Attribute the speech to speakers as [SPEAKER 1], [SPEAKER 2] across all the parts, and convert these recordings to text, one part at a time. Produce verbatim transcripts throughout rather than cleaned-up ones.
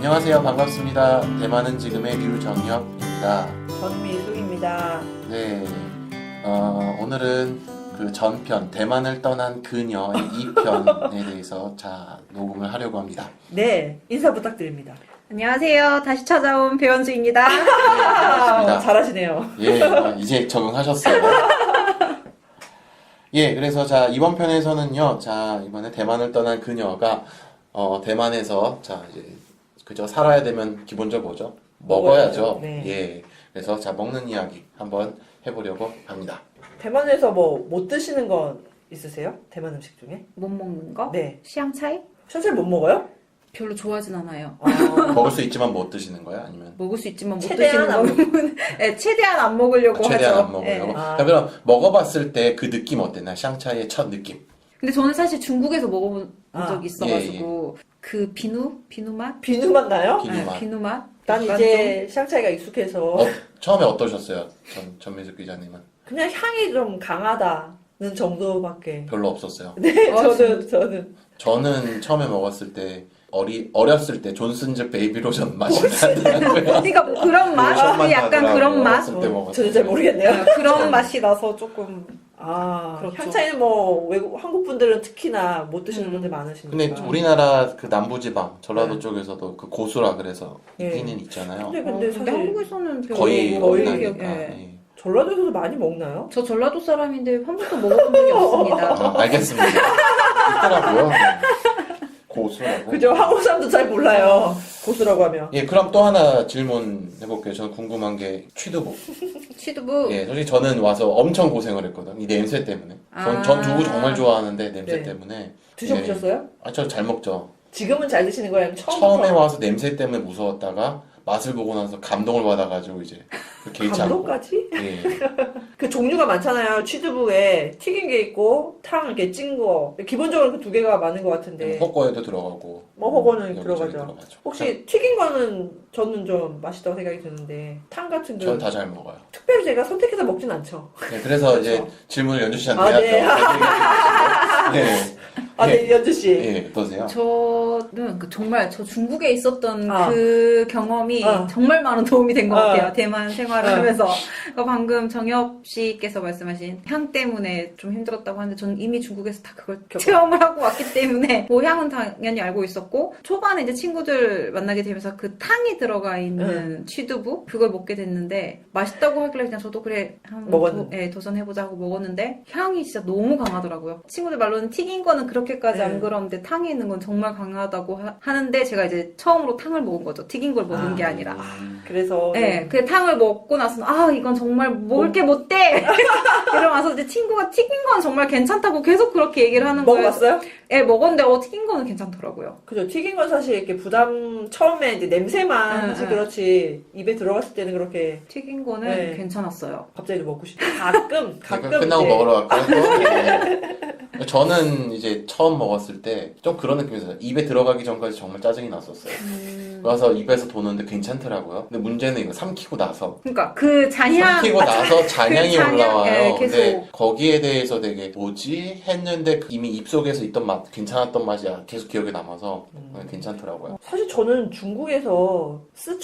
[SPEAKER 1] 안녕하세요. 반갑습니다. 대만은 지금의 류정혁입니다.
[SPEAKER 2] 전미숙입니다.
[SPEAKER 1] 네, 어, 오늘은 그 전편 대만을 떠난 그녀의 이 편에 대해서 자 녹음을 하려고 합니다.
[SPEAKER 2] 네, 인사 부탁드립니다.
[SPEAKER 3] 안녕하세요. 다시 찾아온 배현수입니다.
[SPEAKER 1] 네, 반갑습니다.
[SPEAKER 2] 잘하시네요.
[SPEAKER 1] 예, 어, 이제 적응하셨어요. 예, 그래서 자 이번 편에서는요, 자 이번에 대만을 떠난 그녀가 어, 대만에서 자 이제 그저 살아야 되면 기본적으로 뭐죠? 먹어야죠.
[SPEAKER 2] 먹어야죠. 네.
[SPEAKER 1] 예, 그래서 자 먹는 이야기 한번 해보려고 합니다.
[SPEAKER 2] 대만에서 뭐 못 드시는 건 있으세요? 대만 음식 중에?
[SPEAKER 3] 못 먹는 거?
[SPEAKER 2] 네.
[SPEAKER 3] 시향차이?
[SPEAKER 2] 션실 못 먹어요?
[SPEAKER 3] 별로 좋아하진 않아요.
[SPEAKER 2] 아,
[SPEAKER 1] 먹을 수 있지만 못 드시는 거야? 아니면
[SPEAKER 3] 먹을 수 있지만 못
[SPEAKER 2] 최대한
[SPEAKER 3] 드시는
[SPEAKER 2] 안
[SPEAKER 3] 거는 네, 최대한 안 먹으려고
[SPEAKER 1] 최대한
[SPEAKER 3] 하죠.
[SPEAKER 1] 안 먹으려고?
[SPEAKER 3] 네.
[SPEAKER 2] 아.
[SPEAKER 1] 자, 그럼 먹어봤을 때 그 느낌 어땠나요? 샹차이의 첫 느낌.
[SPEAKER 3] 근데 저는 사실 중국에서 먹어본
[SPEAKER 2] 아,
[SPEAKER 3] 적이 있어가지고 그 비누? 비누 맛?
[SPEAKER 2] 비누 맛 나요?
[SPEAKER 1] 비누
[SPEAKER 3] 네,
[SPEAKER 1] 맛.
[SPEAKER 3] 비누 맛?
[SPEAKER 2] 난
[SPEAKER 3] 약간
[SPEAKER 2] 이제 샹차이가 익숙해서
[SPEAKER 1] 어, 처음에 어떠셨어요? 전, 전미숙 기자님은?
[SPEAKER 2] 그냥 향이 좀 강하다는 정도밖에.
[SPEAKER 1] 별로 없었어요.
[SPEAKER 2] 네,
[SPEAKER 3] 어,
[SPEAKER 2] 저는 저는
[SPEAKER 1] 저는 처음에 먹었을 때 어리, 어렸을 때 존슨즈 베이비 로션 맛이 나더라고요.
[SPEAKER 3] 그러니까 뭐 그런 맛?
[SPEAKER 1] 로션만
[SPEAKER 3] 약간
[SPEAKER 1] 나더라고요.
[SPEAKER 3] 그런 맛?
[SPEAKER 1] 어렸을 때 먹었을
[SPEAKER 2] 저는 잘
[SPEAKER 1] 때.
[SPEAKER 2] 모르겠네요.
[SPEAKER 3] 네, 그런 맛이 나서 조금
[SPEAKER 2] 아,
[SPEAKER 3] 그렇죠.
[SPEAKER 2] 향차이는 뭐 외국 한국 분들은 특히나 못 드시는
[SPEAKER 3] 음.
[SPEAKER 2] 분들 많으시니까.
[SPEAKER 1] 근데 우리나라 그 남부지방, 전라도
[SPEAKER 2] 네.
[SPEAKER 1] 쪽에서도 그 고수라 그래서
[SPEAKER 2] 네.
[SPEAKER 1] 있기는 있잖아요.
[SPEAKER 2] 근데
[SPEAKER 3] 어,
[SPEAKER 2] 근데
[SPEAKER 3] 근데
[SPEAKER 2] 사실
[SPEAKER 3] 한국에서는 별로
[SPEAKER 1] 거의
[SPEAKER 2] 거의
[SPEAKER 3] 먹는
[SPEAKER 1] 없나니까.
[SPEAKER 3] 기억이- 예.
[SPEAKER 1] 예.
[SPEAKER 2] 전라도에서도 많이 먹나요?
[SPEAKER 3] 저 전라도 사람인데 한 번도 먹어본 적이 없습니다.
[SPEAKER 1] 아, 알겠습니다. 있더라고요. 네. 고수라고.
[SPEAKER 2] 그죠? 한국 사람도 잘 몰라요. 고수라고 하면.
[SPEAKER 1] 예, 그럼 또 하나 질문 해볼게요. 저는 궁금한 게 취두부.
[SPEAKER 3] 취두부
[SPEAKER 1] 예, 솔직히 저는 와서 엄청 고생을 했거든. 이 냄새 때문에. 전,
[SPEAKER 3] 아.
[SPEAKER 1] 전 두부 정말 좋아하는데 냄새
[SPEAKER 2] 네.
[SPEAKER 1] 때문에.
[SPEAKER 2] 드셔보셨어요?
[SPEAKER 1] 아, 저 잘 먹죠.
[SPEAKER 2] 지금은 잘 드시는 거예요? 아니면 처음부터?
[SPEAKER 1] 처음에 와서 냄새 때문에 무서웠다가 맛을 보고 나서 감동을 받아가지고 이제 그 개의치 않고.
[SPEAKER 2] 감동까지?
[SPEAKER 1] 예.
[SPEAKER 2] 그 종류가 많잖아요. 취두부에 튀긴 게 있고 탕 이렇게 찐 거. 기본적으로 그 두 개가 많은 것 같은데.
[SPEAKER 1] 헛거에도 들어가고.
[SPEAKER 2] 뭐 허거는
[SPEAKER 1] 여기저기
[SPEAKER 2] 들어가죠.
[SPEAKER 1] 들어가죠.
[SPEAKER 2] 혹시 튀긴 거는 저는 좀 맛있다고 생각이 드는데 탕 같은
[SPEAKER 1] 전
[SPEAKER 2] 거
[SPEAKER 1] 다 잘 먹어요.
[SPEAKER 2] 특별히 제가 선택해서 먹진 않죠.
[SPEAKER 1] 네, 그래서 이제
[SPEAKER 2] 그렇죠.
[SPEAKER 1] 질문을 연주 씨한테
[SPEAKER 2] 아,
[SPEAKER 1] 해야죠.
[SPEAKER 2] 네.
[SPEAKER 1] 네.
[SPEAKER 2] 아, 네, 연주 씨.
[SPEAKER 1] 예, 어떠세요?
[SPEAKER 3] 저는 그 정말 저 중국에 있었던
[SPEAKER 2] 아.
[SPEAKER 3] 그 경험이
[SPEAKER 2] 아.
[SPEAKER 3] 정말 많은 도움이 된 것
[SPEAKER 2] 아.
[SPEAKER 3] 같아요. 대만 생활을
[SPEAKER 2] 아.
[SPEAKER 3] 하면서. 그러니까 방금 정엽 씨께서 말씀하신 향 때문에 좀 힘들었다고 하는데 저는 이미 중국에서 다 그걸 체험을 하고 왔기 때문에 그 향은 당연히 알고 있었고 초반에 이제 친구들 만나게 되면서 그 탕이 들어가 있는 취두부 그걸 먹게 됐는데 맛있다고 하길래 그냥 저도 그래 한번
[SPEAKER 2] 먹었는데.
[SPEAKER 3] 도, 예, 도전해보자 하고 먹었는데 향이 진짜 너무 강하더라고요. 친구들 말로는 튀긴 거는 그렇게까지
[SPEAKER 2] 네.
[SPEAKER 3] 안 그런데 탕에 있는 건 정말 강하다고 하, 하는데 제가 이제 처음으로 탕을 먹은 거죠. 튀긴 걸 먹은
[SPEAKER 2] 아.
[SPEAKER 3] 게 아니라.
[SPEAKER 2] 그래서.
[SPEAKER 3] 네, 그 탕을 먹고 나서는 아 이건 정말 먹을 게 못 돼. 이러면서 이제 친구가 튀긴 건 정말 괜찮다고 계속 그렇게 얘기를 하는 거예요.
[SPEAKER 2] 먹어봤어요?
[SPEAKER 3] 네, 먹었는데 어 튀긴 거는 괜찮더라고요.
[SPEAKER 2] 그죠. 튀긴 건 사실 이렇게 부담, 처음에 이제 냄새만
[SPEAKER 3] 응,
[SPEAKER 2] 사실
[SPEAKER 3] 응.
[SPEAKER 2] 그렇지, 입에 들어갔을 때는 그렇게
[SPEAKER 3] 튀긴 거는
[SPEAKER 2] 네.
[SPEAKER 3] 괜찮았어요.
[SPEAKER 2] 갑자기 좀 먹고 싶다. 가끔, 가끔.
[SPEAKER 1] 그러니까 끝나고
[SPEAKER 2] 이제.
[SPEAKER 1] 먹으러 갈까요? 네. 저는 이제 처음 먹었을 때 좀 그런 느낌이었어요. 입에 들어가기 전까지 정말 짜증이 났었어요.
[SPEAKER 3] 음...
[SPEAKER 1] 그래서 입에서 도는데 괜찮더라고요. 근데 문제는 이거 삼키고 나서
[SPEAKER 3] 그러니까 그 잔향
[SPEAKER 1] 삼키고 나서 잔향이
[SPEAKER 3] 그 잔향,
[SPEAKER 1] 올라와요.
[SPEAKER 3] 예, 계속.
[SPEAKER 1] 근데 거기에 대해서 되게 뭐지 했는데 이미 입속에서 있던 맛, 괜찮았던 맛이 계속 기억에 남아서
[SPEAKER 2] 음.
[SPEAKER 1] 괜찮더라고요.
[SPEAKER 2] 사실 저는 중국에서,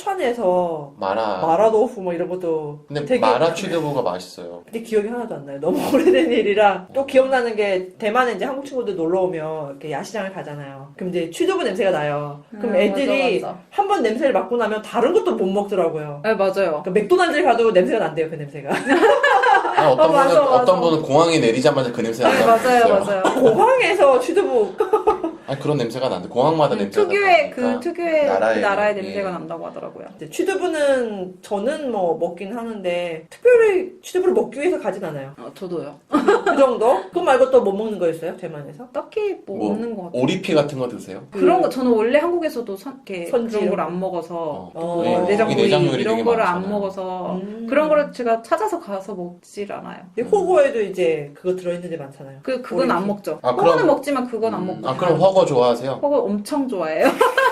[SPEAKER 2] 스촨에서
[SPEAKER 1] 마라.
[SPEAKER 2] 마라도fu 뭐 이런 것도
[SPEAKER 1] 근데
[SPEAKER 2] 되게
[SPEAKER 1] 마라 취두부가 맛있어요.
[SPEAKER 2] 근데 기억이 하나도 안 나요. 너무 오래된 일이라. 또 기억나는 게 대만에 이제 한국 친구들 놀러 오면 이렇게 야시장을 가잖아요. 그럼 이제 취두부 냄새가 나요. 그럼
[SPEAKER 3] 음,
[SPEAKER 2] 애들이
[SPEAKER 3] 맞아, 맞아.
[SPEAKER 2] 한 번 냄새를 맡고 나면 다른 것도 못 먹더라고요.
[SPEAKER 3] 네 맞아요.
[SPEAKER 2] 그러니까 맥도날드를 가도 냄새가 난대요, 그 냄새가.
[SPEAKER 1] 아니, 어떤
[SPEAKER 3] 어,
[SPEAKER 1] 분은
[SPEAKER 3] 맞아, 맞아.
[SPEAKER 1] 어떤 분은 공항에 내리자마자 그 냄새
[SPEAKER 3] 네,
[SPEAKER 1] 나는
[SPEAKER 3] 맞아요,
[SPEAKER 1] 있어요.
[SPEAKER 3] 맞아요.
[SPEAKER 2] 공항에서 취두부
[SPEAKER 1] 아니 그런 냄새가 나는데 공항마다
[SPEAKER 3] 음,
[SPEAKER 1] 냄새가
[SPEAKER 3] 특유의 그
[SPEAKER 1] 나니까.
[SPEAKER 3] 특유의
[SPEAKER 1] 나라의,
[SPEAKER 3] 그 나라의
[SPEAKER 1] 예.
[SPEAKER 3] 냄새가 난다고 하더라고요.
[SPEAKER 2] 이제 취두부는 저는 뭐 먹긴 하는데 특별히 취두부를 먹기 위해서 가진 않아요.
[SPEAKER 3] 어, 저도요.
[SPEAKER 2] 그 정도? 그거 말고 또 못 먹는 거 있어요? 대만에서?
[SPEAKER 3] 딱히 뭐,
[SPEAKER 1] 뭐,
[SPEAKER 3] 없는 것 같아요.
[SPEAKER 1] 오리피 같은 거 드세요?
[SPEAKER 3] 그런 거 저는 원래 한국에서도 선, 이렇게
[SPEAKER 2] 선지
[SPEAKER 3] 그런
[SPEAKER 2] 이런
[SPEAKER 3] 걸
[SPEAKER 2] 거.
[SPEAKER 3] 안 먹어서
[SPEAKER 1] 어.
[SPEAKER 2] 어.
[SPEAKER 3] 뭐
[SPEAKER 2] 네,
[SPEAKER 3] 내장
[SPEAKER 1] 거기
[SPEAKER 3] 구이
[SPEAKER 1] 내장 요리
[SPEAKER 3] 이런
[SPEAKER 1] 되게
[SPEAKER 3] 거를 안
[SPEAKER 1] 많잖아요.
[SPEAKER 3] 먹어서
[SPEAKER 2] 음.
[SPEAKER 3] 그런 거를 제가 찾아서 가서 먹질 않아요.
[SPEAKER 2] 근데 호거에도 이제 그거 들어있는 데 많잖아요.
[SPEAKER 3] 그 그건 안
[SPEAKER 2] 오리피.
[SPEAKER 3] 먹죠.
[SPEAKER 1] 아,
[SPEAKER 3] 그거는
[SPEAKER 1] 그럼-
[SPEAKER 3] 먹지만 그건 안 먹고.
[SPEAKER 1] 아 그럼
[SPEAKER 3] 그냥-
[SPEAKER 1] 허거 좋아하세요?
[SPEAKER 3] 허거 엄청 좋아해요.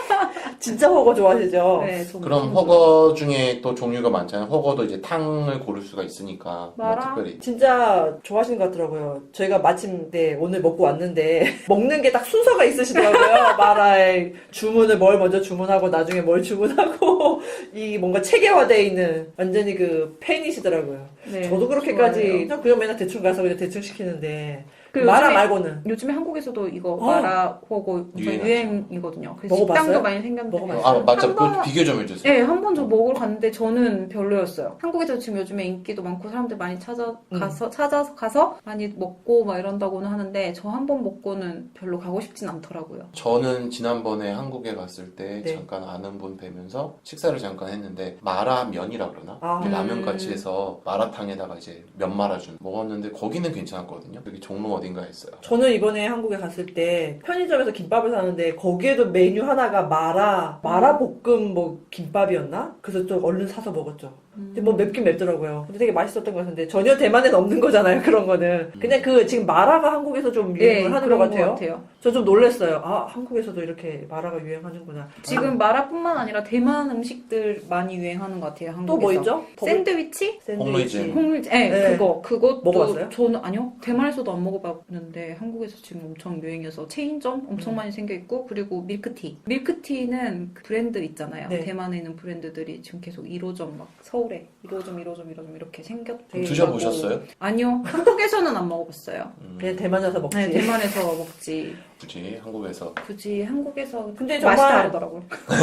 [SPEAKER 2] 진짜 허거 좋아하시죠?
[SPEAKER 3] 네, 저
[SPEAKER 1] 그럼
[SPEAKER 3] 엄청
[SPEAKER 1] 허거 중에 또 종류가 많잖아요. 허거도 이제 탕을 고를 수가 있으니까 뭐
[SPEAKER 3] 마라?
[SPEAKER 1] 특별히
[SPEAKER 2] 진짜 좋아하시는 것 같더라고요. 저희가 마침 네, 오늘 먹고 왔는데 먹는 게 딱 순서가 있으시더라고요. 마라에 주문을 뭘 먼저 주문하고 나중에 뭘 주문하고 이 뭔가 체계화되어 있는 완전히 그 팬이시더라고요.
[SPEAKER 3] 네,
[SPEAKER 2] 저도 그렇게까지
[SPEAKER 3] 좋아해요.
[SPEAKER 2] 그냥 그냥 맨날 대충 가서 그냥 대충 시키는데
[SPEAKER 3] 그
[SPEAKER 2] 마라
[SPEAKER 3] 요즘에-
[SPEAKER 2] 말고는
[SPEAKER 3] 요즘에 한국에서도 이거
[SPEAKER 2] 어.
[SPEAKER 3] 마라 허거 엄청
[SPEAKER 1] 유행하죠.
[SPEAKER 3] 유행이거든요. 그래서
[SPEAKER 2] 먹어봤어요?
[SPEAKER 3] 식당도 많이 생겼는데.
[SPEAKER 2] 먹어봤어요?
[SPEAKER 1] 아 맞죠.
[SPEAKER 3] 한
[SPEAKER 1] 그
[SPEAKER 3] 번-
[SPEAKER 1] 비교 좀 해주세요.
[SPEAKER 3] 네, 한 번 저 먹으러 갔는데 저는 별로였어요. 한국에서 지금 요즘에 인기도 많고 사람들 많이 찾아가서 찾아서 가서 많이 먹고 막 이런다고는 하는데 저 한 번 먹고는 별로 가고 싶진 않더라고요.
[SPEAKER 1] 저는 지난번에 한국에 갔을 때
[SPEAKER 2] 네.
[SPEAKER 1] 잠깐 아는 분 뵈면서 식사를 잠깐 했는데 마라면이라 그러나?
[SPEAKER 2] 아.
[SPEAKER 1] 이렇게 라면
[SPEAKER 3] 음.
[SPEAKER 1] 같이 해서 마라탕에다가 이제 면 말아준 먹었는데 거기는 괜찮았거든요. 여기 종로 어딘가에 있어요.
[SPEAKER 2] 저는 이번에 한국에 갔을 때 편의점에서 김밥을 사는데 거기에도 메뉴 하나가 마라 마라 볶음 뭐 김밥이었나? 그래서 좀 얼른 사서 먹었죠. 근데 뭐 맵긴 맵더라고요. 근데 되게 맛있었던 것 같은데 전혀 대만에는 없는 거잖아요. 그런 거는 그냥 그 지금 마라가 한국에서 좀 유행을 하는 것
[SPEAKER 3] 그런
[SPEAKER 2] 같아요.
[SPEAKER 3] 같아요.
[SPEAKER 2] 저 좀 놀랐어요. 아 한국에서도 이렇게 마라가 유행하는구나.
[SPEAKER 3] 지금 마라뿐만 아니라 대만 음식들 많이 유행하는 것 같아요. 한국에서.
[SPEAKER 2] 또 뭐 있죠?
[SPEAKER 3] 샌드위치?
[SPEAKER 1] 홍루이진.
[SPEAKER 3] 홍물지, 네,
[SPEAKER 2] 네.
[SPEAKER 3] 그거, 그것도
[SPEAKER 2] 먹어봤어요?
[SPEAKER 3] 저는 아니요, 대만에서도 안 먹어봤는데 한국에서 지금 엄청 유행해서 체인점 엄청
[SPEAKER 2] 음.
[SPEAKER 3] 많이 생겨 있고 그리고 밀크티, 밀크티는 그 브랜드 있잖아요.
[SPEAKER 2] 네.
[SPEAKER 3] 대만에 있는 브랜드들이 지금 계속 일 호점 막 서울에 일 호점, 일 호점, 일 호점 이렇게 생겼대요.
[SPEAKER 1] 드셔보셨어요?
[SPEAKER 3] 아니요, 한국에서는 안 먹어봤어요.
[SPEAKER 1] 음,
[SPEAKER 2] 그냥 대만 가서 먹지.
[SPEAKER 3] 네, 대만에서 먹지.
[SPEAKER 1] 굳이 한국에서
[SPEAKER 3] 굳이 한국에서
[SPEAKER 2] 근데
[SPEAKER 3] 맛이
[SPEAKER 2] 정말
[SPEAKER 3] 다르더라고요.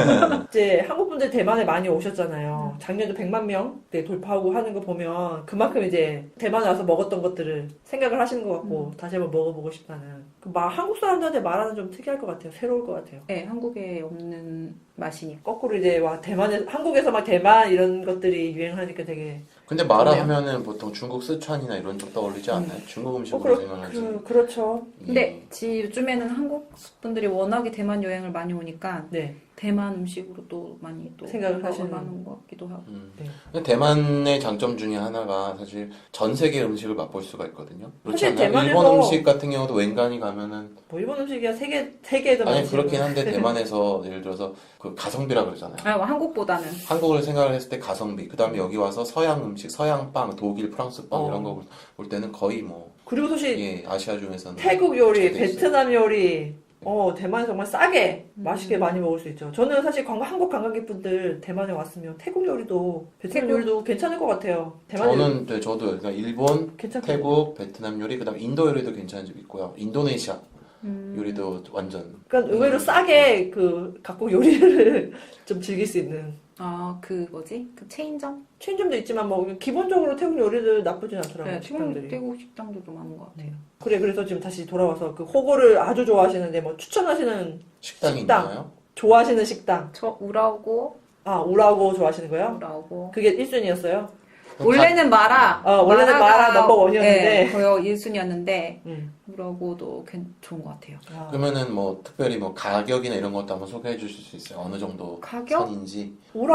[SPEAKER 2] 이제 한국 분들 대만에 많이 오셨잖아요. 작년에 백만 명 네, 돌파하고 하는 거 보면 그만큼 이제 대만에 와서 먹었던 것들을 생각을 하시는 것 같고 다시 한번 먹어보고 싶다는. 그 마, 한국 사람들한테 말하는 좀 특이할 것 같아요. 새로울 것 같아요.
[SPEAKER 3] 네, 한국에 없는 맛이니까.
[SPEAKER 2] 거꾸로 이제 와 대만에 한국에서 막 대만 이런 것들이 유행하니까 되게
[SPEAKER 1] 근데 마라
[SPEAKER 2] 좋네요.
[SPEAKER 1] 하면은 보통 중국 스촨이나 이런 쪽 떠올리지 않나요? 중국
[SPEAKER 2] 어,
[SPEAKER 1] 음식으로
[SPEAKER 2] 그렇,
[SPEAKER 1] 생각하지.
[SPEAKER 2] 그, 그렇죠.
[SPEAKER 3] 근데 지 요즘에는 한국 분들이 워낙에 대만 여행을 많이 오니까
[SPEAKER 2] 네.
[SPEAKER 3] 대만 음식으로 또 많이 또
[SPEAKER 2] 생각을 하시는.
[SPEAKER 3] 하는 것 같기도 하고.
[SPEAKER 1] 음.
[SPEAKER 2] 네.
[SPEAKER 1] 근데 대만의 장점 중에 하나가 사실 전 세계 음식을 맛볼 수가 있거든요. 그렇지
[SPEAKER 2] 사실
[SPEAKER 1] 않나요?
[SPEAKER 2] 대만에서-
[SPEAKER 1] 일본 음식 같은 경우도 웬간히 가면은
[SPEAKER 2] 뭐 일본 음식이야 세계 세계에도
[SPEAKER 1] 아니
[SPEAKER 2] 많지.
[SPEAKER 1] 그렇긴 한데 대만에서 예를 들어서 그 가성비라 그러잖아요.
[SPEAKER 3] 아, 뭐 한국보다는
[SPEAKER 1] 한국을 생각을 했을 때 가성비, 그 다음에 여기 와서 서양 음식, 서양 빵, 독일, 프랑스 빵
[SPEAKER 2] 어.
[SPEAKER 1] 이런 거 볼 때는 거의 뭐
[SPEAKER 2] 그리고 사실
[SPEAKER 1] 예, 아시아 중에서는
[SPEAKER 2] 태국 요리,
[SPEAKER 1] 잘 돼 있어요.
[SPEAKER 2] 베트남 요리, 어 대만에 정말 싸게
[SPEAKER 3] 음.
[SPEAKER 2] 맛있게 많이 먹을 수 있죠. 저는 사실 관광, 한국 관광객분들 대만에 왔으면 태국 요리도 베트남
[SPEAKER 3] 태국?
[SPEAKER 2] 요리도 괜찮을 것 같아요. 대만 요리
[SPEAKER 1] 저는 네, 저도 그러니까 일본,
[SPEAKER 2] 괜찮고
[SPEAKER 1] 태국, 베트남 요리, 그다음 인도 요리도 괜찮은 집 있고요. 인도네시아
[SPEAKER 3] 음,
[SPEAKER 1] 요리도 완전
[SPEAKER 2] 그러니까 의외로 싸게 그 각국 요리를 좀 즐길 수 있는
[SPEAKER 3] 아, 그 뭐지? 그 체인점?
[SPEAKER 2] 체인점도 있지만 뭐 기본적으로 태국 요리들 나쁘진 않더라고요.
[SPEAKER 3] 네, 태국,
[SPEAKER 2] 식당들이.
[SPEAKER 3] 태국 식당들도 많은 것 같아요.
[SPEAKER 2] 그래 그래서 지금 다시 돌아와서 그 호거를 아주 좋아하시는데 뭐 추천하시는
[SPEAKER 1] 식당이
[SPEAKER 2] 식당.
[SPEAKER 1] 있나요?
[SPEAKER 2] 좋아하시는 식당.
[SPEAKER 3] 저 우라오고
[SPEAKER 2] 아 우라고 좋아하시는 거요?
[SPEAKER 3] 우라오고
[SPEAKER 2] 그게 일 순위였어요?
[SPEAKER 3] 원래는 마라.
[SPEAKER 2] 어, 원래는 마라
[SPEAKER 3] 마라가-
[SPEAKER 2] 넘버 원이었는데.
[SPEAKER 3] 네, 거의 일 순위였는데
[SPEAKER 2] 음.
[SPEAKER 3] 우라오고도 괜- 좋은 것 같아요.
[SPEAKER 2] 아.
[SPEAKER 1] 그러면은 뭐 특별히 뭐 가격이나 이런 것도 한번 소개해 주실 수 있어요? 어느 정도
[SPEAKER 3] 가격?
[SPEAKER 1] 선인지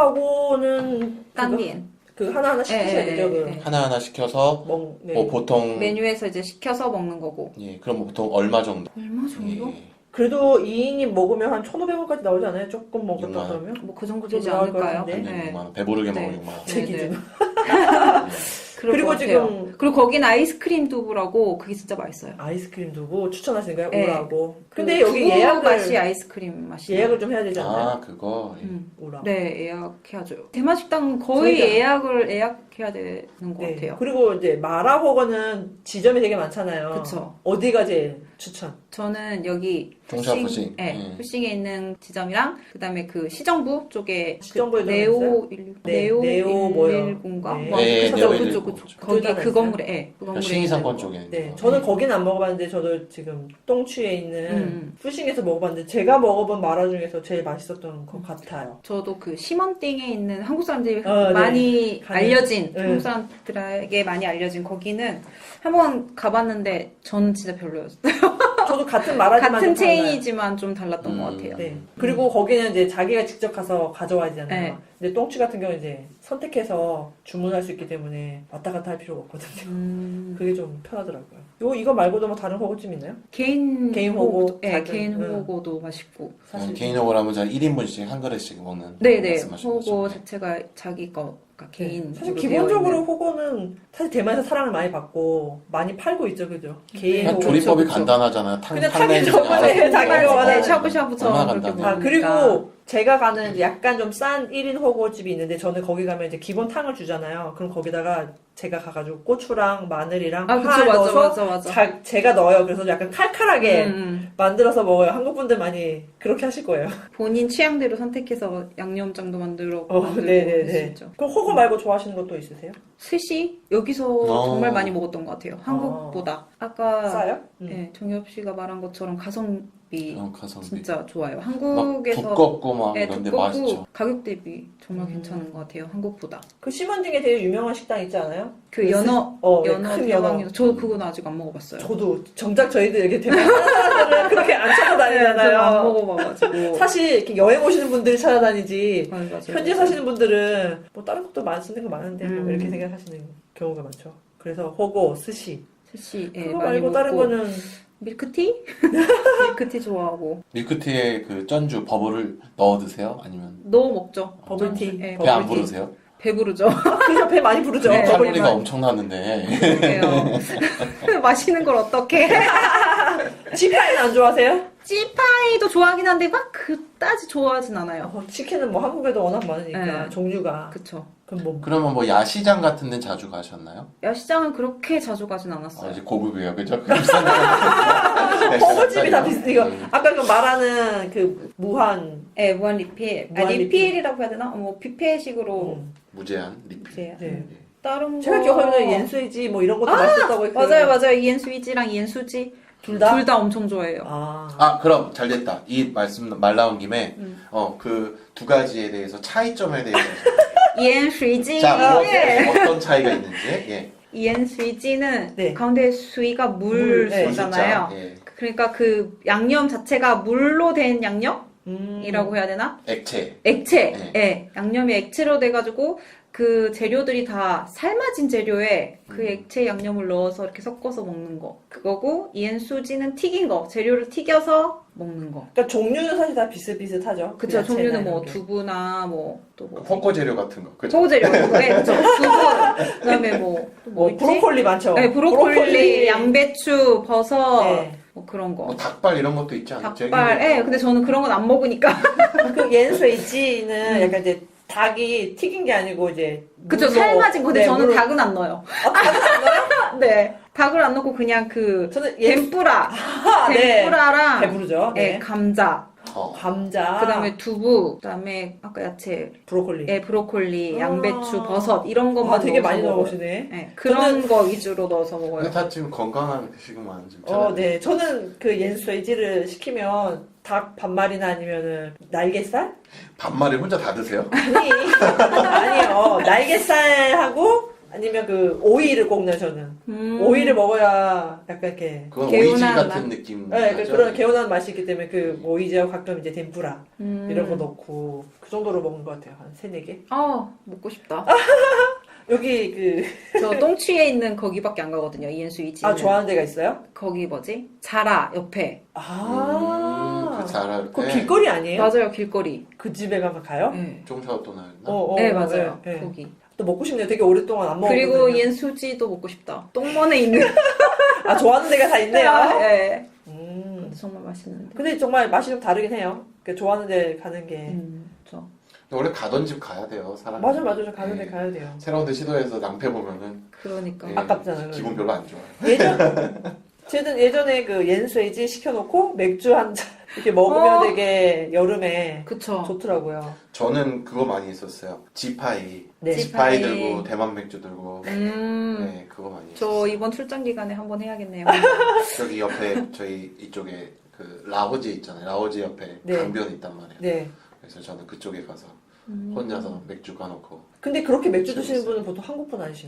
[SPEAKER 2] 우라고는
[SPEAKER 3] 깐디엔.
[SPEAKER 2] 그 하나하나 시키셔야
[SPEAKER 3] 예, 예,
[SPEAKER 2] 되죠. 그
[SPEAKER 3] 예.
[SPEAKER 1] 하나하나 시켜서
[SPEAKER 2] 먹, 네.
[SPEAKER 1] 뭐 보통
[SPEAKER 3] 메뉴에서 이제 시켜서 먹는 거고.
[SPEAKER 1] 예, 그럼 뭐 보통 얼마 정도?
[SPEAKER 3] 얼마 정도?
[SPEAKER 1] 예.
[SPEAKER 2] 그래도 이 인이 먹으면 한 천오백 원까지 나오지 않아요? 조금 먹었다
[SPEAKER 1] 육만 원.
[SPEAKER 2] 그러면?
[SPEAKER 3] 뭐 그 정도
[SPEAKER 2] 좀
[SPEAKER 3] 되지
[SPEAKER 2] 나올 것
[SPEAKER 3] 않을까요?
[SPEAKER 2] 같은데?
[SPEAKER 1] 한
[SPEAKER 3] 네.
[SPEAKER 1] 육만 원. 배부르게
[SPEAKER 3] 네.
[SPEAKER 1] 먹으면 육만 원.
[SPEAKER 2] 제
[SPEAKER 3] 네,
[SPEAKER 2] 기준.
[SPEAKER 3] 네.
[SPEAKER 2] 그리고
[SPEAKER 3] 그리고
[SPEAKER 2] 지금
[SPEAKER 3] 그리고 거기는 아이스크림 두부라고 그게 진짜 맛있어요.
[SPEAKER 2] 아이스크림 두고 추천하시는 거예요?
[SPEAKER 3] 네.
[SPEAKER 2] 우라고.
[SPEAKER 3] 그
[SPEAKER 2] 근데 여기
[SPEAKER 3] 두부
[SPEAKER 2] 예약을
[SPEAKER 3] 맛이 아이스크림 맛이.
[SPEAKER 2] 예약을 좀 해야 되지 않나요?
[SPEAKER 1] 아, 그거. 예.
[SPEAKER 3] 음.
[SPEAKER 2] 우라.
[SPEAKER 3] 네, 예약해야죠. 대만 식당은 거의
[SPEAKER 2] 저희가-
[SPEAKER 3] 예약을 예약해야 되는 것
[SPEAKER 2] 네.
[SPEAKER 3] 같아요.
[SPEAKER 2] 그리고 이제 마라호거는 지점이 되게 많잖아요.
[SPEAKER 3] 그쵸.
[SPEAKER 2] 어디가 제일 추천?
[SPEAKER 3] 저는 여기
[SPEAKER 1] 동샤
[SPEAKER 3] 푸싱-
[SPEAKER 1] 푸싱.
[SPEAKER 3] 네,
[SPEAKER 1] 음.
[SPEAKER 3] 푸싱에 있는 지점이랑 그다음에 그 시정부 쪽에
[SPEAKER 2] 시정부에
[SPEAKER 3] 그
[SPEAKER 2] 들어가
[SPEAKER 3] 네오 일
[SPEAKER 2] 네,
[SPEAKER 3] 네오
[SPEAKER 2] 네오 뭐요?
[SPEAKER 3] 일일공가
[SPEAKER 2] 네.
[SPEAKER 3] 뭐
[SPEAKER 1] 네,
[SPEAKER 3] 그쪽
[SPEAKER 1] 네오
[SPEAKER 3] 그쪽
[SPEAKER 1] 일일공.
[SPEAKER 3] 그쪽
[SPEAKER 2] 그쪽
[SPEAKER 3] 거기
[SPEAKER 2] 하나
[SPEAKER 3] 그
[SPEAKER 2] 있어요?
[SPEAKER 3] 건물에 예, 그
[SPEAKER 1] 그러니까
[SPEAKER 3] 건물에
[SPEAKER 1] 신의상권
[SPEAKER 3] 있는
[SPEAKER 1] 쪽에.
[SPEAKER 2] 네,
[SPEAKER 1] 있는 거.
[SPEAKER 2] 저는 거긴 안 먹어봤는데 저도 지금 똥취에 있는
[SPEAKER 3] 음.
[SPEAKER 2] 푸싱에서 먹어봤는데 제가 먹어본 마라 중에서 제일 맛있었던 것 같아요.
[SPEAKER 3] 저도 그 시먼띵에 있는 한국 사람들이
[SPEAKER 2] 어, 네.
[SPEAKER 3] 많이
[SPEAKER 2] 가는-
[SPEAKER 3] 알려진
[SPEAKER 2] 네.
[SPEAKER 3] 한국 사람들에게 많이 알려진 거기는 한번 가봤는데 저는 진짜 별로였어요.
[SPEAKER 2] 저도 같은 마라지만
[SPEAKER 3] 같은
[SPEAKER 2] 좀 달라요.
[SPEAKER 3] 체인이지만 좀 달랐던
[SPEAKER 1] 음.
[SPEAKER 3] 것 같아요.
[SPEAKER 2] 네. 그리고 거기는 이제 자기가 직접 가서 가져와야 되잖아요.
[SPEAKER 3] 네.
[SPEAKER 2] 근데 똥취 같은 경우는 이제 선택해서 주문할 수 있기 때문에 왔다 갔다 할 필요가 없거든요.
[SPEAKER 3] 음,
[SPEAKER 2] 그게 좀 편하더라고요. 요 이거 말고도 뭐 다른 호구찜 있나요?
[SPEAKER 3] 개인
[SPEAKER 2] 개인 호고,
[SPEAKER 3] 네,
[SPEAKER 2] 작은,
[SPEAKER 3] 개인
[SPEAKER 2] 응.
[SPEAKER 3] 호고도 맛있고.
[SPEAKER 2] 사실
[SPEAKER 1] 개인적으로 하면 저 일 인분씩 한 그릇씩 먹는
[SPEAKER 3] 네네.
[SPEAKER 1] 말씀하신 거죠.
[SPEAKER 3] 호고 자체가 자기 거가 개인.
[SPEAKER 2] 사실 기본적으로 호거는 사실 대만에서 사랑을 많이 받고 많이 팔고 있죠, 그죠? 개인
[SPEAKER 1] 그냥
[SPEAKER 2] 호거.
[SPEAKER 1] 조리법이
[SPEAKER 3] 그쵸.
[SPEAKER 1] 간단하잖아요. 탕,
[SPEAKER 2] 그냥
[SPEAKER 1] 탕내
[SPEAKER 2] 타기 전에 자기가
[SPEAKER 3] 네,
[SPEAKER 2] 원하는
[SPEAKER 3] 샤브샤브처럼
[SPEAKER 1] 얼마나
[SPEAKER 3] 그렇게
[SPEAKER 1] 간단해요.
[SPEAKER 2] 아,
[SPEAKER 3] 먹으니까.
[SPEAKER 2] 그리고 제가 가는 이제 약간 좀 싼 일 인 호거집이 있는데 저는 거기 가면 이제 기본 탕을 주잖아요. 그럼 거기다가 제가 가가지고 고추랑 마늘이랑
[SPEAKER 3] 아
[SPEAKER 2] 파
[SPEAKER 3] 그쵸 맞아
[SPEAKER 2] 넣어서
[SPEAKER 3] 맞아 맞아.
[SPEAKER 2] 자, 제가 넣어요. 그래서 약간 칼칼하게
[SPEAKER 3] 음, 음.
[SPEAKER 2] 만들어서 먹어요. 한국 분들 많이 그렇게 하실 거예요.
[SPEAKER 3] 본인 취향대로 선택해서 양념장도 만들어
[SPEAKER 2] 어,
[SPEAKER 3] 만들고
[SPEAKER 2] 네네네.
[SPEAKER 3] 할수 있죠.
[SPEAKER 2] 그럼 호거 말고 좋아하시는 것도 있으세요?
[SPEAKER 3] 스시 여기서
[SPEAKER 1] 어.
[SPEAKER 3] 정말 많이 먹었던 것 같아요. 한국보다. 아까
[SPEAKER 2] 싸요? 음.
[SPEAKER 3] 네, 정엽 씨가 말한 것처럼 가성비
[SPEAKER 1] 어, 가성비.
[SPEAKER 3] 진짜 좋아요.
[SPEAKER 1] 막
[SPEAKER 3] 한국에서
[SPEAKER 1] 두껍고 막
[SPEAKER 3] 네,
[SPEAKER 1] 이런데
[SPEAKER 3] 두껍고
[SPEAKER 1] 맛있죠.
[SPEAKER 3] 가격 대비 정말
[SPEAKER 2] 음.
[SPEAKER 3] 괜찮은 것 같아요. 한국보다.
[SPEAKER 2] 그 심원딩에 되게 유명한 식당 있지 않아요?
[SPEAKER 3] 그 연어
[SPEAKER 2] 어, 네,
[SPEAKER 3] 연어
[SPEAKER 2] 큰 연어.
[SPEAKER 3] 대왕이죠. 저 그건 아직 안 먹어봤어요.
[SPEAKER 2] 저도 정작 저희들 이렇게 대만 사람들은 그렇게 안
[SPEAKER 3] 저는 안
[SPEAKER 2] 찾아다니잖아요.
[SPEAKER 3] 먹어봐가지고.
[SPEAKER 2] 사실 이렇게 여행 오시는 분들이 찾아다니지
[SPEAKER 3] 맞아요, 맞아요.
[SPEAKER 2] 현지에 사시는 분들은 뭐 다른 것도 많이 쓰는 거 많은데 뭐
[SPEAKER 3] 음.
[SPEAKER 2] 이렇게 생각하시는 경우가 많죠. 그래서 호고, 스시
[SPEAKER 3] 스시 예,
[SPEAKER 2] 그거
[SPEAKER 3] 많이
[SPEAKER 2] 말고
[SPEAKER 3] 먹고
[SPEAKER 2] 다른 거는
[SPEAKER 3] 밀크티? 밀크티 좋아하고
[SPEAKER 1] 밀크티에 그 전주 버블을 넣어 드세요? 아니면
[SPEAKER 3] 넣어 먹죠.
[SPEAKER 2] 버블티.
[SPEAKER 3] 예,
[SPEAKER 1] 배 안
[SPEAKER 2] 버블티.
[SPEAKER 1] 부르세요?
[SPEAKER 3] 배부르죠.
[SPEAKER 2] 그래서 배 많이 부르죠.
[SPEAKER 3] 네,
[SPEAKER 1] 칼로리가
[SPEAKER 2] 버블만.
[SPEAKER 1] 엄청나는데
[SPEAKER 3] 그래요. 마시는 걸 어떻게?
[SPEAKER 2] 지파이는 안 좋아하세요?
[SPEAKER 3] 찌파이도 좋아하긴 한데 막 그다지 좋아하진 않아요.
[SPEAKER 2] 어, 치킨은 뭐 한국에도 워낙 많으니까
[SPEAKER 3] 네.
[SPEAKER 2] 종류가
[SPEAKER 3] 그쵸.
[SPEAKER 2] 그럼 뭐
[SPEAKER 1] 그러면 뭐 야시장 같은 데 자주 가셨나요?
[SPEAKER 3] 야시장은 그렇게 자주 가진
[SPEAKER 1] 아,
[SPEAKER 3] 않았어요.
[SPEAKER 1] 이제 고급이에요, 그죠? 그 비싼 데
[SPEAKER 2] 호거집이 다 비슷해. 이거
[SPEAKER 1] 음.
[SPEAKER 2] 아까 그 말하는 그 무한
[SPEAKER 3] 네, 무한 리필. 아,
[SPEAKER 2] 무한
[SPEAKER 3] 리필이라고 해야 되나? 뭐 뷔페식으로
[SPEAKER 2] 음.
[SPEAKER 1] 무제한 리필.
[SPEAKER 3] 이제
[SPEAKER 2] 네.
[SPEAKER 3] 다른
[SPEAKER 2] 제가
[SPEAKER 3] 거.
[SPEAKER 2] 기억하기로는 옌스이지 뭐 이런 것도 맛있었다고 했어요.
[SPEAKER 3] 맞아요, 맞아요. 이엔스위지랑 이엔수지
[SPEAKER 2] 둘 다?
[SPEAKER 3] 둘 다 엄청 좋아해요.
[SPEAKER 2] 아.
[SPEAKER 1] 아, 그럼 잘 됐다. 이 말씀 말 나온 김에
[SPEAKER 3] 음.
[SPEAKER 1] 어, 그 두 가지에 대해서 차이점에 대해서
[SPEAKER 3] 이엔수이지.
[SPEAKER 1] 자, 뭐,
[SPEAKER 3] 네.
[SPEAKER 1] 어떤 차이가 있는지. 예.
[SPEAKER 3] 이엔수이지는
[SPEAKER 2] 네.
[SPEAKER 3] 가운데 수위가
[SPEAKER 2] 물, 네.
[SPEAKER 3] 물수잖아요.
[SPEAKER 1] 예.
[SPEAKER 3] 그러니까 그 양념 자체가 물로 된 양념이라고
[SPEAKER 2] 음.
[SPEAKER 3] 해야 되나?
[SPEAKER 1] 액체.
[SPEAKER 3] 액체.
[SPEAKER 1] 네.
[SPEAKER 3] 예. 양념이 액체로 돼가지고 그 재료들이 다 삶아진 재료에 그
[SPEAKER 1] 음.
[SPEAKER 3] 액체 양념을 넣어서 이렇게 섞어서 먹는 거. 그거고 이엔수지는 튀긴 거. 재료를 튀겨서 먹는 거.
[SPEAKER 2] 그러니까 종류는 사실 다 비슷비슷하죠.
[SPEAKER 3] 그쵸.
[SPEAKER 2] 야채나
[SPEAKER 3] 종류는 뭐
[SPEAKER 2] 이런 게.
[SPEAKER 3] 두부나 뭐 또 뭐.
[SPEAKER 1] 헛거 재료 같은 거. 그죠?
[SPEAKER 3] 소재료 네, 그쵸. 두부. 그다음에 뭐, 또 뭐
[SPEAKER 2] 뭐
[SPEAKER 3] 있지?
[SPEAKER 2] 브로콜리 많죠.
[SPEAKER 3] 네, 브로콜리, 양배추, 버섯,
[SPEAKER 2] 네.
[SPEAKER 3] 뭐 그런 거.
[SPEAKER 1] 뭐 닭발 이런 것도 있지 않아요?
[SPEAKER 3] 닭발. 예, 근데 저는 그런 건 안 먹으니까.
[SPEAKER 2] 그 옌스웨이지는
[SPEAKER 3] 음.
[SPEAKER 2] 약간 이제 닭이 튀긴 게 아니고 이제
[SPEAKER 3] 그쵸,
[SPEAKER 2] 물로-
[SPEAKER 3] 삶아진 거. 근데
[SPEAKER 2] 네,
[SPEAKER 3] 저는
[SPEAKER 2] 물로-
[SPEAKER 3] 닭은 안 넣어요.
[SPEAKER 2] 아, 닭은 안 넣어요?
[SPEAKER 3] 네. 닭을 안 넣고 그냥 그,
[SPEAKER 2] 저는 옌
[SPEAKER 3] 덴뿌라.
[SPEAKER 2] 아, 네.
[SPEAKER 3] 덴뿌라랑,
[SPEAKER 2] 배부르죠.
[SPEAKER 3] 예,
[SPEAKER 2] 네.
[SPEAKER 3] 감자.
[SPEAKER 1] 어.
[SPEAKER 2] 감자.
[SPEAKER 3] 그 다음에 두부. 그 다음에 아까 야채.
[SPEAKER 2] 브로콜리.
[SPEAKER 3] 예, 브로콜리,
[SPEAKER 2] 아.
[SPEAKER 3] 양배추, 버섯. 이런 것만
[SPEAKER 2] 아, 되게
[SPEAKER 3] 넣어서
[SPEAKER 2] 많이
[SPEAKER 3] 먹어요.
[SPEAKER 2] 넣으시네.
[SPEAKER 3] 예, 그런 거 위주로 넣어서 먹어요.
[SPEAKER 1] 근데 다 지금 건강한 식으만 지금
[SPEAKER 2] 어, 네. 저는 그 옌스웨이지를 시키면 닭 반말이나 아니면은 날개살?
[SPEAKER 1] 반말을 혼자 다 드세요?
[SPEAKER 2] 아니, 아니요. 날개살하고 아니면 그 오이를 꼭 넣어요, 저는.
[SPEAKER 3] 음.
[SPEAKER 2] 오이를 먹어야 약간 이렇게.
[SPEAKER 1] 그건
[SPEAKER 3] 개운한
[SPEAKER 1] 오이지
[SPEAKER 3] 맛.
[SPEAKER 1] 같은 느낌.
[SPEAKER 2] 네, 그,
[SPEAKER 1] 나죠?
[SPEAKER 2] 그런 개운한 맛이 있기 때문에 그 오이지하고 가끔 이제 덴뿌라
[SPEAKER 3] 음.
[SPEAKER 2] 이런 거 넣고 그 정도로 먹는 것 같아요. 한 세네 개.
[SPEAKER 3] 아, 먹고 싶다.
[SPEAKER 2] 여기 그,
[SPEAKER 3] 저 똥취에 있는 거기밖에 안 가거든요. 이엔수이지.
[SPEAKER 2] 아, 좋아하는 데가 있어요?
[SPEAKER 3] 거기 뭐지? 자라 옆에.
[SPEAKER 2] 아.
[SPEAKER 1] 음, 그 잘할
[SPEAKER 2] 그
[SPEAKER 1] 때
[SPEAKER 2] 길거리 아니에요?
[SPEAKER 3] 맞아요, 길거리.
[SPEAKER 2] 그 집에 가면 가요?
[SPEAKER 3] 네,
[SPEAKER 1] 종샤오또나였나?
[SPEAKER 2] 어, 어,
[SPEAKER 3] 네 맞아요.
[SPEAKER 2] 네, 네.
[SPEAKER 3] 거기.
[SPEAKER 2] 또 먹고 싶네요. 되게 오랫동안 안 먹었거든요.
[SPEAKER 3] 그리고 이엔수지도 먹고 싶다. 똥먼에 있는.
[SPEAKER 2] 아, 좋아하는 데가 다 있네요.
[SPEAKER 3] 네.
[SPEAKER 2] 음.
[SPEAKER 3] 근데 정말 맛있는데.
[SPEAKER 2] 근데 정말 맛이 좀 다르긴 해요. 그 좋아하는 데 가는 게.
[SPEAKER 3] 음, 저.
[SPEAKER 1] 근데 원래 가던 집 가야 돼요, 사람.
[SPEAKER 2] 맞아, 맞아. 저 가는 데
[SPEAKER 1] 네.
[SPEAKER 2] 가야 돼요.
[SPEAKER 1] 새로운 데 시도해서 낭패 보면은
[SPEAKER 3] 그러니까.
[SPEAKER 1] 예,
[SPEAKER 2] 아깝잖아요.
[SPEAKER 1] 기분 별로 안 좋아요.
[SPEAKER 2] 예전, 저는 예전에 그 옌스웨이지 시켜놓고 맥주 한 잔 이렇게 먹으면
[SPEAKER 3] 어.
[SPEAKER 2] 되게 여름에
[SPEAKER 3] 그쵸.
[SPEAKER 2] 좋더라고요.
[SPEAKER 1] 저는 그거 많이 했었어요. 지파이.
[SPEAKER 2] 네.
[SPEAKER 1] 지파이
[SPEAKER 3] 지파이.
[SPEAKER 1] 들고 대만 맥주 들고.
[SPEAKER 3] 음.
[SPEAKER 1] 네, 그거 많이
[SPEAKER 3] 저
[SPEAKER 1] 했었어요.
[SPEAKER 3] 이번 출장 기간에 한번 해야겠네요.
[SPEAKER 1] 저기 옆에 저희 이쪽에 그 라오지 있잖아요. 라오지 옆에
[SPEAKER 2] 네.
[SPEAKER 1] 강변이 있단 말이에요.
[SPEAKER 2] 네.
[SPEAKER 1] 그래서 저는 그쪽에 가서
[SPEAKER 3] 음.
[SPEAKER 1] 혼자서 맥주 까놓고.
[SPEAKER 2] 근데 그렇게 맥주 드시는 분은 보통 한국 분 아니신가요?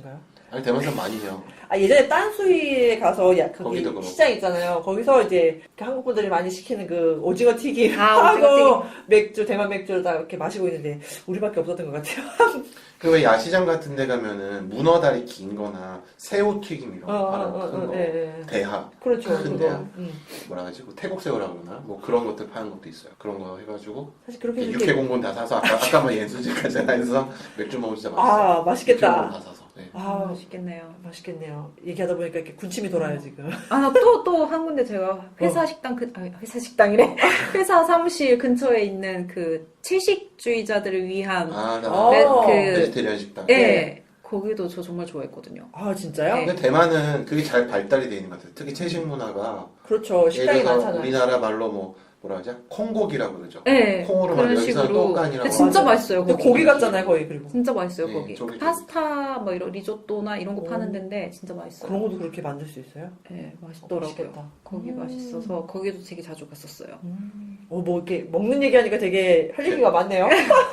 [SPEAKER 1] 아니 대만에서 많이 해요.
[SPEAKER 2] 아, 예전에 딴수이에 가서 야, 거기
[SPEAKER 1] 거기도 그렇고.
[SPEAKER 2] 시장 있잖아요. 거기서 이제 그 한국 분들이 많이 시키는 그 오징어 튀김
[SPEAKER 3] 아, 오징어
[SPEAKER 2] 하고 맥주, 대만 맥주를 다 이렇게 마시고 있는데 우리밖에 없었던 것 같아요.
[SPEAKER 1] 그 왜 야시장 같은 데 가면은 문어다리 긴 거나 새우 튀김 이런
[SPEAKER 2] 어,
[SPEAKER 1] 거
[SPEAKER 2] 어,
[SPEAKER 1] 파는
[SPEAKER 2] 어,
[SPEAKER 1] 큰
[SPEAKER 2] 어,
[SPEAKER 1] 거.
[SPEAKER 2] 예, 예.
[SPEAKER 1] 대하.
[SPEAKER 2] 그렇죠.
[SPEAKER 1] 큰
[SPEAKER 2] 그거.
[SPEAKER 1] 데야.
[SPEAKER 2] 음.
[SPEAKER 1] 뭐라 하지? 그 태국새우라고 그러나? 뭐 그런 것들 파는 것도 있어요. 그런 거 해가지고
[SPEAKER 2] 사실 그렇게 이렇게
[SPEAKER 1] 육회공본 다 사서 아까 아까 말 연수지까지 해서 맥주 먹으면 진짜 맛있어요.
[SPEAKER 2] 아,
[SPEAKER 1] 육회공본
[SPEAKER 2] 맛있겠다.
[SPEAKER 1] 다 사서. 네.
[SPEAKER 2] 아,
[SPEAKER 3] 맛있겠네요.
[SPEAKER 2] 맛있겠네요. 얘기하다 보니까 이렇게 군침이 돌아요, 지금.
[SPEAKER 3] 아, 나 또, 또 한 군데 제가 회사 식당, 그, 아, 회사 식당이래. 회사 사무실 근처에 있는 그 채식주의자들을 위한,
[SPEAKER 1] 아, 나
[SPEAKER 2] 어.
[SPEAKER 3] 네, 그,
[SPEAKER 1] 베지테리안 식당.
[SPEAKER 3] 예,
[SPEAKER 2] 네.
[SPEAKER 3] 거기도 저 정말 좋아했거든요.
[SPEAKER 2] 아, 진짜요?
[SPEAKER 3] 네.
[SPEAKER 1] 근데 대만은 그게 잘 발달이 돼 있는 것 같아요. 특히 채식 문화가
[SPEAKER 2] 그렇죠. 식당이
[SPEAKER 1] 예를 들어서
[SPEAKER 2] 많잖아요.
[SPEAKER 1] 우리나라 말로 뭐 뭐라 하죠? 콩고기라고 그러죠.
[SPEAKER 3] 네,
[SPEAKER 1] 콩으로
[SPEAKER 3] 그런
[SPEAKER 1] 만든 여기서는
[SPEAKER 3] 식으로.
[SPEAKER 1] 떡간이라고.
[SPEAKER 3] 근데 진짜
[SPEAKER 2] 맞아요.
[SPEAKER 3] 맛있어요,
[SPEAKER 2] 근데
[SPEAKER 3] 거기.
[SPEAKER 2] 고기 같잖아요, 거의 그리고.
[SPEAKER 3] 진짜 맛있어요,
[SPEAKER 1] 네,
[SPEAKER 3] 거기.
[SPEAKER 1] 저기, 저기.
[SPEAKER 3] 파스타, 뭐 이런 리조또나 이런 거
[SPEAKER 2] 오.
[SPEAKER 3] 파는 데인데 진짜 맛있어요.
[SPEAKER 2] 그런 것도 그렇게 만들 수 있어요?
[SPEAKER 3] 네,
[SPEAKER 2] 어,
[SPEAKER 3] 맛있더라고요.
[SPEAKER 2] 맛있겠다.
[SPEAKER 3] 거기
[SPEAKER 2] 음.
[SPEAKER 3] 맛있어서 거기도 되게 자주 갔었어요.
[SPEAKER 2] 어, 뭐 이렇게 먹는 얘기하니까 되게 할 얘기가 많네요.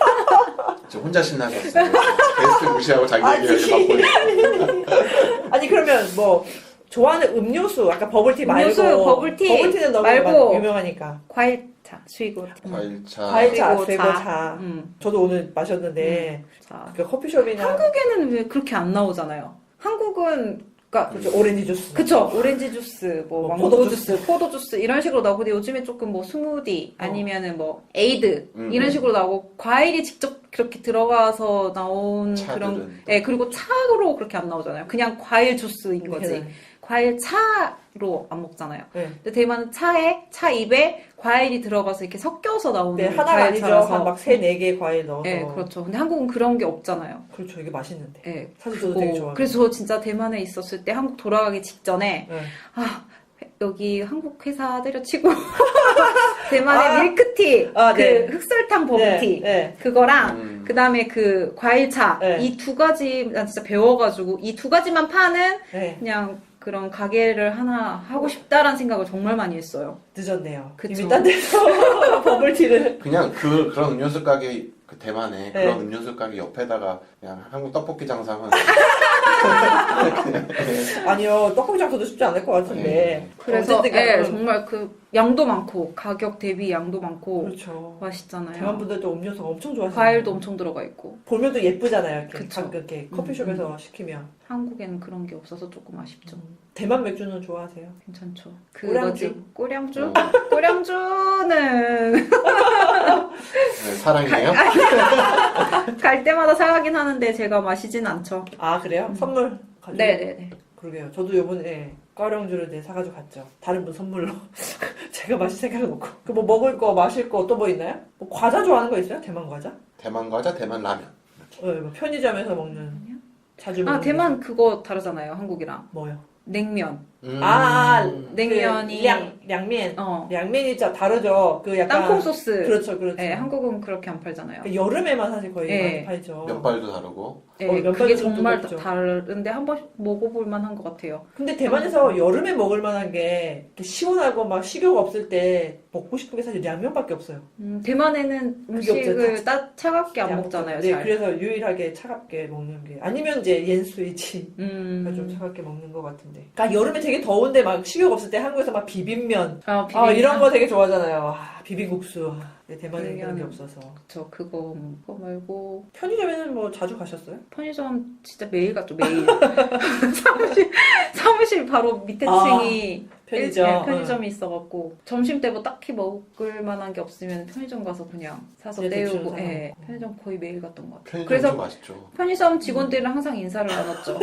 [SPEAKER 1] 저 혼자 신나게 했어요. 게스트 무시하고 자기
[SPEAKER 2] 아니.
[SPEAKER 1] 얘기를 갖고 있는.
[SPEAKER 2] 아니 그러면 뭐 좋아하는 음료수 아까 버블티 말고
[SPEAKER 3] 음료수, 버블티
[SPEAKER 2] 버블티는 너무
[SPEAKER 3] 말고.
[SPEAKER 2] 마- 유명하니까
[SPEAKER 3] 과일차, 수이고.
[SPEAKER 1] 과일차.
[SPEAKER 2] 과일차,
[SPEAKER 3] 그리고
[SPEAKER 2] 쇠고
[SPEAKER 3] 차.
[SPEAKER 2] 차.
[SPEAKER 3] 음,
[SPEAKER 2] 저도 오늘 마셨는데
[SPEAKER 3] 자.
[SPEAKER 2] 그 커피숍이나
[SPEAKER 3] 한국에는 왜 그렇게 안 나오잖아요. 한국은 그러니까
[SPEAKER 2] 그렇죠, 오렌지 주스.
[SPEAKER 3] 그쵸 오렌지 주스, 뭐
[SPEAKER 2] 뭐
[SPEAKER 3] 망고
[SPEAKER 2] 포도
[SPEAKER 3] 주스, 포도 주스 이런 식으로 나오고 근데 요즘에 조금 뭐 스무디
[SPEAKER 2] 어.
[SPEAKER 3] 아니면은 뭐 에이드
[SPEAKER 1] 음.
[SPEAKER 3] 이런 식으로 나오고 과일이 직접 그렇게 들어가서 나온
[SPEAKER 1] 차들은
[SPEAKER 3] 그런
[SPEAKER 1] 또.
[SPEAKER 3] 예 그리고 차로 그렇게 안 나오잖아요. 그냥 과일 주스인 거지.
[SPEAKER 2] 네.
[SPEAKER 3] 과일 차로 안 먹잖아요.
[SPEAKER 2] 네.
[SPEAKER 3] 근데 대만은 차에 차 입에 과일이 들어가서 이렇게 섞여서 나오는
[SPEAKER 2] 네, 하나가 아니죠.
[SPEAKER 3] 과일차라서
[SPEAKER 2] 한 막 세 네 개 과일 넣어서.
[SPEAKER 3] 예 그렇죠. 근데 한국은 그런 게 없잖아요.
[SPEAKER 2] 그렇죠. 이게 맛있는데.
[SPEAKER 3] 예.
[SPEAKER 2] 사실 저도
[SPEAKER 3] 그거-
[SPEAKER 2] 되게 좋아해요.
[SPEAKER 3] 그래서 저 진짜 대만에 있었을 때 한국 돌아가기 직전에
[SPEAKER 2] 네.
[SPEAKER 3] 아 여기 한국 회사 때려치고 대만의
[SPEAKER 2] 아.
[SPEAKER 3] 밀크티
[SPEAKER 2] 아,
[SPEAKER 3] 그
[SPEAKER 2] 네.
[SPEAKER 3] 흑설탕 버블티
[SPEAKER 2] 네, 네.
[SPEAKER 3] 그거랑
[SPEAKER 1] 음.
[SPEAKER 3] 그다음에 그 과일차
[SPEAKER 2] 네.
[SPEAKER 3] 이 두 가지 난 진짜 배워가지고 이 두 가지만 파는
[SPEAKER 2] 네.
[SPEAKER 3] 그냥 그런 가게를 하나 하고 싶다라는 생각을 정말 많이 했어요.
[SPEAKER 2] 늦었네요.
[SPEAKER 3] 그쵸.
[SPEAKER 2] 이미 딴 데서 버블티를.
[SPEAKER 1] 그냥 그 그런 음료수 가게 그 대만에
[SPEAKER 2] 네.
[SPEAKER 1] 그런 음료수 가게 옆에다가 그냥 한국 떡볶이 장사하면
[SPEAKER 2] 아니요, 떡볶이 장사도 쉽지 않을 것 같은데.
[SPEAKER 1] 네.
[SPEAKER 3] 그래서
[SPEAKER 2] 어쨌든
[SPEAKER 3] 예,
[SPEAKER 2] 그런-
[SPEAKER 3] 정말 그 양도 많고 가격 대비 양도 많고
[SPEAKER 2] 그렇죠.
[SPEAKER 3] 맛있잖아요.
[SPEAKER 2] 대만 분들도 음료수가 엄청 좋아하시요
[SPEAKER 3] 과일도 엄청 들어가 있고
[SPEAKER 2] 보면 또 예쁘잖아요. 이렇게
[SPEAKER 3] 그쵸.
[SPEAKER 2] 가끔 이렇게
[SPEAKER 3] 음,
[SPEAKER 2] 커피숍에서 시키면.
[SPEAKER 3] 한국에는 그런 게 없어서 조금 아쉽죠.
[SPEAKER 2] 대만 맥주는 좋아하세요?
[SPEAKER 3] 괜찮죠.
[SPEAKER 2] 꼬량주?
[SPEAKER 3] 그거지. 꼬량주?
[SPEAKER 1] 어,
[SPEAKER 3] 꼬량주는
[SPEAKER 1] 네, 사랑이에요.
[SPEAKER 3] 갈 때마다 사가긴 하는데 제가 마시진 않죠.
[SPEAKER 2] 아 그래요?
[SPEAKER 3] 음.
[SPEAKER 2] 선물 가지고?
[SPEAKER 3] 네네네.
[SPEAKER 2] 그러게요. 저도 요번에 꽈령주를 이제 사가지고 갔죠. 다른 분 선물로. 제가 마실 생각은 없고. 그 뭐 먹을 거, 마실 거 또 뭐 있나요? 뭐 과자 좋아하는 거 있어요? 대만 과자?
[SPEAKER 1] 대만 과자, 대만 라면.
[SPEAKER 2] 네, 뭐 편의점에서 먹는 자주 먹는
[SPEAKER 3] 아 대만 그거 다르잖아요. 한국이랑
[SPEAKER 2] 게. 뭐요?
[SPEAKER 3] 냉면.
[SPEAKER 1] 음.
[SPEAKER 2] 아,
[SPEAKER 3] 냉면이-
[SPEAKER 2] 그 량, 량면.
[SPEAKER 3] 어.
[SPEAKER 2] 량면이 진짜 다르죠. 그 약간
[SPEAKER 3] 땅콩 소스.
[SPEAKER 2] 그렇죠, 그렇죠.
[SPEAKER 3] 네, 한국은 그렇게 안 팔잖아요.
[SPEAKER 2] 그 여름에만 사실 거의
[SPEAKER 3] 네.
[SPEAKER 2] 많이 팔죠.
[SPEAKER 1] 면발도 다르고.
[SPEAKER 3] 네,
[SPEAKER 2] 어, 면발도
[SPEAKER 3] 그게
[SPEAKER 2] 좀
[SPEAKER 3] 정말
[SPEAKER 2] 두껍죠.
[SPEAKER 3] 다른데 한 번 먹어볼 만한 것 같아요.
[SPEAKER 2] 근데 대만에서 여름에 먹을 만한 게 이렇게 시원하고 막 식욕 없을 때 먹고 싶은 게 사실 량면밖에 없어요.
[SPEAKER 3] 음, 대만에는
[SPEAKER 2] 그게
[SPEAKER 3] 음식을
[SPEAKER 2] 없죠.
[SPEAKER 3] 따, 차갑게 안
[SPEAKER 2] 네,
[SPEAKER 3] 먹잖아요.
[SPEAKER 2] 네,
[SPEAKER 3] 잘.
[SPEAKER 2] 그래서 유일하게 차갑게 먹는 게 아니면 이제 옌스위치.
[SPEAKER 3] 음.
[SPEAKER 2] 좀 차갑게 먹는 것 같은데. 그러니까 여름에 되게 더운데 막 식욕 없을 때 한국에서 막 비빔면
[SPEAKER 3] 아,
[SPEAKER 2] 아,
[SPEAKER 3] 비빔면.
[SPEAKER 2] 이런 거 되게 좋아하잖아요. 아, 비빔국수. 네, 대만에 그런 게
[SPEAKER 3] 비빔면.
[SPEAKER 2] 없어서.
[SPEAKER 3] 저 그거 그거 말고
[SPEAKER 2] 편의점에는 뭐 자주 가셨어요?
[SPEAKER 3] 편의점 진짜 매일 갔죠 매일. 사무실 사무실 바로 밑에
[SPEAKER 2] 아,
[SPEAKER 3] 층이
[SPEAKER 2] 편의점.
[SPEAKER 3] 일- 네, 편의점이 있어갖고 점심 때 뭐 딱히 먹을 만한 게 없으면 편의점 가서 그냥 사서
[SPEAKER 2] 그냥 대충
[SPEAKER 3] 때우고
[SPEAKER 2] 사서
[SPEAKER 3] 예,
[SPEAKER 2] 먹고.
[SPEAKER 3] 편의점 거의 매일 갔던 것 같아요.
[SPEAKER 1] 편의점
[SPEAKER 3] 그래서
[SPEAKER 1] 좀 맛있죠.
[SPEAKER 3] 편의점 직원들이랑 항상 인사를 나눴죠.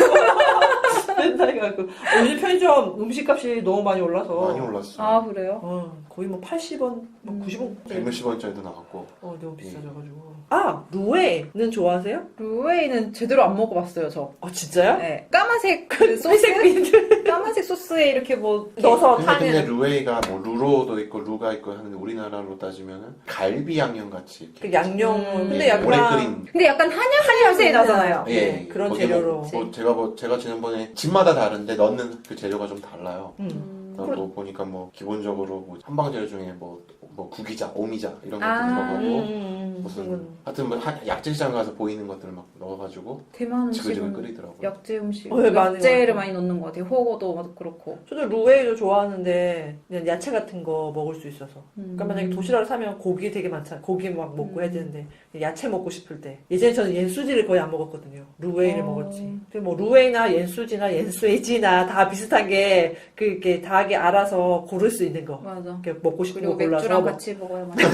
[SPEAKER 2] 맨날 가고. 어, 요즘 편의점 음식값이 너무 많이 올라서.
[SPEAKER 1] 많이 올랐어.
[SPEAKER 3] 아 그래요?
[SPEAKER 2] 어, 거의 뭐 팔십 원, 뭐
[SPEAKER 3] 음.
[SPEAKER 2] 구십 원.
[SPEAKER 1] 백몇십 원짜리도 나왔고.
[SPEAKER 2] 어, 너무 비싸져가지고. 아, 루에는 좋아하세요?
[SPEAKER 3] 루웨이는 제대로 안 먹어봤어요 저.
[SPEAKER 2] 아, 진짜요?
[SPEAKER 3] 네. 까만색 그 소스
[SPEAKER 2] 회색 비늘
[SPEAKER 3] 까만색 소스에 이렇게 뭐
[SPEAKER 2] 넣어서
[SPEAKER 1] 근데, 근데
[SPEAKER 2] 타면.
[SPEAKER 1] 루웨이가 뭐 루로도 있고 루가 있고 하는데 우리나라로 따지면은 갈비 양념 같이 이렇게
[SPEAKER 2] 그 양념.
[SPEAKER 3] 음.
[SPEAKER 2] 근데
[SPEAKER 1] 예,
[SPEAKER 2] 약간.
[SPEAKER 1] 오래 끓인.
[SPEAKER 3] 근데 약간 한약 냄새 나잖아요.
[SPEAKER 1] 예,
[SPEAKER 2] 네,
[SPEAKER 1] 예.
[SPEAKER 2] 그런
[SPEAKER 1] 거기에
[SPEAKER 2] 재료로.
[SPEAKER 1] 뭐, 뭐 제가 뭐 제가 지난번에 집마다 다른데 넣는 그 재료가 좀 달라요.
[SPEAKER 2] 음.
[SPEAKER 3] 음.
[SPEAKER 1] 그러니까 뭐 보니까 뭐 기본적으로 뭐 한방제로 중에 뭐, 뭐 구기자, 오미자 이런 것들
[SPEAKER 3] 아,
[SPEAKER 1] 들어가고
[SPEAKER 2] 음,
[SPEAKER 1] 무슨
[SPEAKER 2] 그건.
[SPEAKER 1] 하여튼 뭐 하- 약재시장 가서 보이는 것들을 막 넣어가지고
[SPEAKER 3] 대만
[SPEAKER 1] 지글지글
[SPEAKER 3] 음식은
[SPEAKER 1] 끓이더라고요.
[SPEAKER 3] 약재 음식,
[SPEAKER 2] 어, 네, 많이
[SPEAKER 3] 약재를
[SPEAKER 2] 먹어요.
[SPEAKER 3] 많이 넣는 것 같아요. 호거도 그렇고.
[SPEAKER 2] 저도 루웨이도 좋아하는데 그냥 야채 같은 거 먹을 수 있어서.
[SPEAKER 3] 음.
[SPEAKER 2] 그러니까 만약에 도시락을 사면 고기 되게 많잖아. 고기 막 먹고
[SPEAKER 3] 음.
[SPEAKER 2] 해야 되는데 야채 먹고 싶을 때. 예전에 저는 옌수지를 거의 안 먹었거든요. 루웨이를
[SPEAKER 3] 어.
[SPEAKER 2] 먹었지. 근데 뭐 루웨이나 옌수지나 옌수에지나 다 비슷한 게 그 이렇게 다하게 알아서 고를 수 있는 거.
[SPEAKER 3] 맞아.
[SPEAKER 2] 이렇게 먹고 싶은
[SPEAKER 3] 그리고
[SPEAKER 2] 거 골라서
[SPEAKER 3] 맥주랑
[SPEAKER 2] 먹-
[SPEAKER 3] 같이 먹어야 맛있어.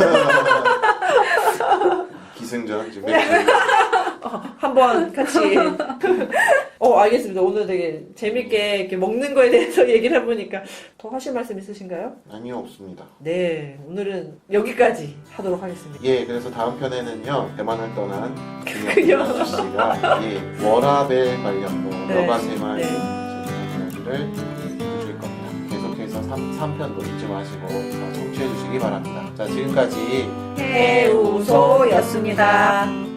[SPEAKER 1] 기승전 지금 맥주.
[SPEAKER 2] 한번 같이. 어, 알겠습니다. 오늘 되게 재밌게 이렇게 먹는 거에 대해서 얘기를 해보니까 더 하실 말씀 있으신가요?
[SPEAKER 1] 아니요, 없습니다.
[SPEAKER 2] 네, 오늘은 여기까지 하도록 하겠습니다.
[SPEAKER 1] 예, 그래서 다음 편에는요, 대만을 떠난
[SPEAKER 2] 그녀.
[SPEAKER 1] 그녀 아저씨가 예, 워라벨 관련 뭐
[SPEAKER 2] 네.
[SPEAKER 1] 여가 생활
[SPEAKER 2] 네.
[SPEAKER 1] 재밌는 이야기를 해주실 겁니다. 계속해서 삼 편도 잊지 마시고 청취해 주시기 바랍니다. 자, 지금까지
[SPEAKER 2] 해우소였습니다.